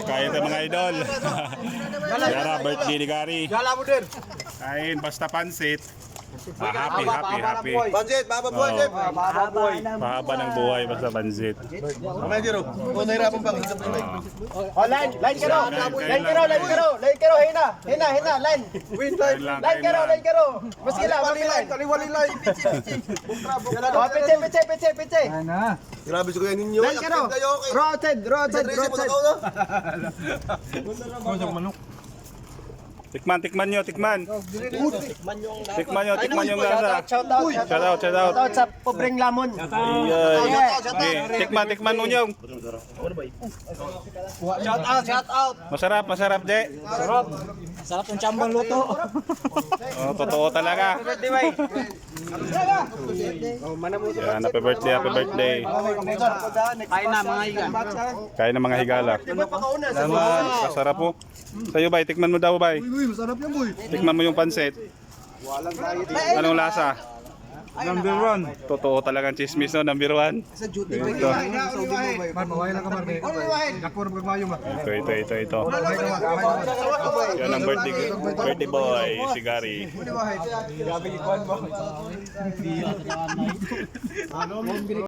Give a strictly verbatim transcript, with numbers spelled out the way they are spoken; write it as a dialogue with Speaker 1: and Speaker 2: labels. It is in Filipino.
Speaker 1: Kain tayo mga idol. Yara, birthday ni Gary.
Speaker 2: Gala mo din.
Speaker 1: Kain basta pansit. Ah, happy, happy, happy.
Speaker 2: Pansit, baba buhay, Jeff. Baba buhay.
Speaker 1: Mahaba ng buhay basta pansit.
Speaker 2: Mamaya Jero. O nahirapan pa. O line, line karo. Line karo, line karo. Line karo, hina. Hina, hina, line. Win line. Line karo, line karo. Mas kila, mas kila. Kaliwali line. O piche, piche, piche, piche. Grabe sa kuya ninyo. Line karo. Rotate, rotate, rotate.
Speaker 1: Tikman, tikman nyo, tikman. Tikman nyo, tikman yung lasa.
Speaker 2: Shout out,
Speaker 1: Shout out, shout out.
Speaker 2: shout out sa pobreng lamon.
Speaker 1: Ayan. Okay, tikman, tikman mo nyo.
Speaker 2: Shout out, shout out.
Speaker 1: Masarap, masarap, de.
Speaker 2: Sarap ng chambang luto.
Speaker 1: Oh, totoo talaga. Yan, happy birthday, happy birthday.
Speaker 2: Kain na mga igan.
Speaker 1: Kain ng mga higala. Salamat, masarap po. Sa'yo, bay, tikman mo daw, bay.
Speaker 2: Uy, masarap yan, boy.
Speaker 1: Tikman mo yung pansit. Anong lasa?
Speaker 2: Number one.
Speaker 1: Totoo talagang chismis, no? Number one.
Speaker 2: Sa duty.
Speaker 1: Ito,
Speaker 2: Man, mawala ka, Marbe. Nakur, magmayo, ma.
Speaker 1: ito, ito, ito, ito. Yan ang birthday, birthday boy, si Gary.
Speaker 2: Grabe, ikuan mo.